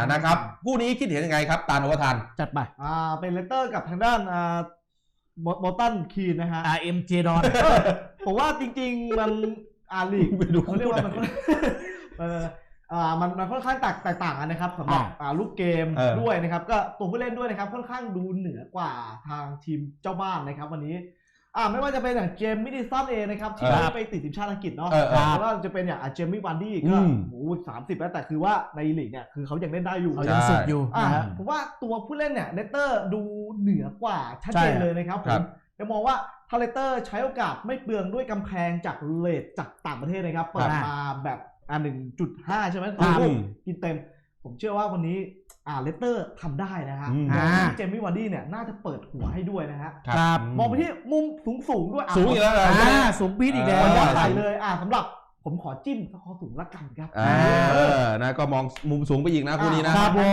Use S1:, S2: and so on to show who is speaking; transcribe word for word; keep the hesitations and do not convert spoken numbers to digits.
S1: นะครับคู่นี้คิดเห็นยังไงครับตาลโอวทาน
S2: จัดไป
S3: อ่าเป็นเลสเตอร์กับทางด้านอ่าโบตันคีนนะฮะ
S2: อาร์ เอ็ม เจ ดอน
S3: ผมว่าจริงๆมันอาลีกเขาเรียกว่ามันเอออ่ามันมันค่อนข้างแตกแตกต่างกันนะครับสำหรับอ่าลูกเกมด้วยนะครับก็ตัวผู้เล่นด้วยนะครับค่อนข้างดูเหนือกว่าทางทีมเจ้าบ้านนะครับวันนี้อ่าไม่ว่าจะเป็นอย่างเจมส์มิดิสันเองนะครับที่ไปติดทีมชาติอังกฤษเนาะแล้วก็จะเป็นอย่างเจมส์วาร์ดี้ก็โอ้สามสิบแล้วแต่คือว่าในลีกเนี่ยคือเขายังเล่นได้อยู่
S2: เขายังสุดอยู่
S3: อ่าผมว่าตัวผู้เล่นเนี่ยเลสเตอร์ดูเหนือกว่าชัดเจนเลยนะครับผมจะมองว่าทาเลเตอร์ใช้โอกาสไม่เปลืองด้วยกำแพงจากเลทจากต่างประเทศนะครับเปิดมาแบบอ่า หนึ่งจุดห้า ใช่ไหมกินเต็มผมเชื่อว่าวันนี้อ่าเลสเตอร์ทำได้นะฮะเจมี่วาร์ดี้เนี่ยน่าจะเปิดหัวให้ด้วยนะฮะ
S2: ครับ
S3: มองไปที่มุมสูงสูงด้วย
S1: สูงอีกแล้ว
S2: อ่าสูงปี๊ดอีกแล้ว
S3: ใหญ่เลยอ่าสำหรับผมขอจิ้มสกอร์สูงละกันครับ
S1: อ่านะก็มองมุมสูงไปอีกนะคู่นี้นะ